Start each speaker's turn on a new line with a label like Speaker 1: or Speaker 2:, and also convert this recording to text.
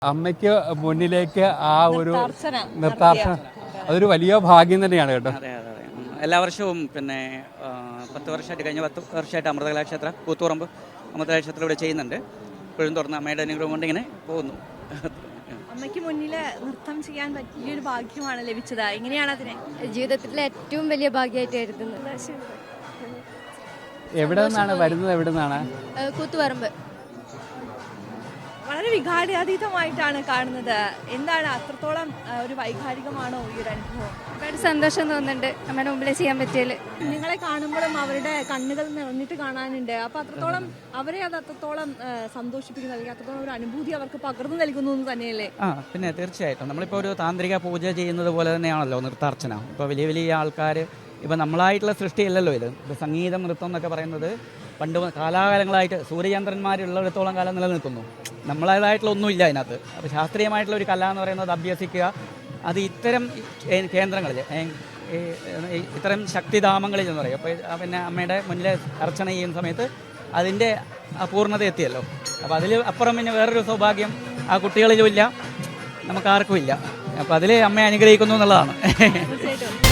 Speaker 1: അമ്മയ്ക്ക് മുന്നിലേക്ക് ആ ഒരു നിർത്താർച്ചന അതൊരു വലിയ ഭാഗ്യം തന്നെയാണ് കേട്ടോ.
Speaker 2: അതെ അതെ അതെ. എല്ലാ വർഷവും പിന്നെ 10 വർഷമായിട്ട് കഴിഞ്ഞ 10 വർഷമായിട്ട് അമൃതകലാക്ഷേത്ര കൂത്തുപറമ്പ് അമൃതകലാക്ഷേത്രം ഇവിടെ ചെയ്യുന്നുണ്ട്. ഇപ്പോഴും തുറന്ന് അമ്മയുടെ അനുഗ്രഹം കൊണ്ട് ഇങ്ങനെ പോകുന്നു.
Speaker 3: അമ്മയ്ക്ക് മുന്നിൽ നൃത്തം ചെയ്യാൻ പറ്റിയൊരു ഭാഗ്യമാണ് ലഭിച്ചത്. എങ്ങനെയാണ് അതിനെ
Speaker 4: ജീവിതത്തിലെ ഏറ്റവും വലിയ ഭാഗ്യമായിട്ട് കരുതുന്നത്.
Speaker 1: എവിടെ നിന്നാണ് വരുന്നത്? എവിടെ നിന്നാണ്?
Speaker 4: കൂത്തുപറമ്പ്.
Speaker 3: വളരെ വികാരാതീതമായിട്ടാണ് കാണുന്നത്. എന്താണ് അത്രത്തോളം ഒരു വൈകാരികമാണോ ഈ ഒരു അനുഭവം?
Speaker 4: ഒരുപാട് സന്തോഷം തോന്നുന്നുണ്ട് അമ്മയുടെ മുമ്പിൽ ചെയ്യാൻ പറ്റിയാൽ.
Speaker 3: നിങ്ങളെ കാണുമ്പോഴും അവരുടെ കണ്ണുകൾ നിറഞ്ഞിട്ട് കാണാനുണ്ട്. അപ്പൊ അത്രത്തോളം അവരെ അത് അത്രത്തോളം സന്തോഷിപ്പിക്കുന്നു, അല്ലെങ്കിൽ അത്രത്തോളം ഒരു അനുഭൂതി അവർക്ക് പകർന്നു നൽകുന്നു എന്ന് തന്നെയല്ലേ?
Speaker 2: പിന്നെ തീർച്ചയായിട്ടും നമ്മളിപ്പോൾ ഒരു താന്ത്രിക പൂജ ചെയ്യുന്നത് പോലെ തന്നെയാണല്ലോ നൃത്താർച്ചന. ഇപ്പോൾ വലിയ വലിയ ആൾക്കാർ, ഇപ്പം നമ്മളായിട്ടുള്ള സൃഷ്ടിയല്ലല്ലോ ഇത്. ഇപ്പോൾ സംഗീതം, നൃത്തം എന്നൊക്കെ പറയുന്നത് പണ്ട് കാലാകാലങ്ങളായിട്ട് സൂര്യചന്ദ്രന്മാരുള്ളിടത്തോളം കാലം നിലനിൽക്കുന്നു. നമ്മളേതായിട്ടുള്ള ഒന്നുമില്ല അതിനകത്ത്. അപ്പോൾ ശാസ്ത്രീയമായിട്ടുള്ള ഒരു കല എന്ന് പറയുന്നത് അഭ്യസിക്കുക, അത് ഇത്തരം കേന്ദ്രങ്ങളിൽ, ഇത്തരം ശക്തിധാമങ്ങളിൽ എന്ന് പറയും. അപ്പോൾ പിന്നെ അമ്മയുടെ മുന്നിൽ അർച്ചന ചെയ്യുന്ന സമയത്ത് അതിൻ്റെ പൂർണ്ണത എത്തിയല്ലോ. അപ്പോൾ അതിൽ അപ്പുറം പിന്നെ വേറൊരു സൗഭാഗ്യം ആ കുട്ടികളിലും ഇല്ല, നമുക്കാർക്കും ഇല്ല. അപ്പോൾ അതിൽ അമ്മയെ അനുഗ്രഹിക്കുന്നു എന്നുള്ളതാണ്.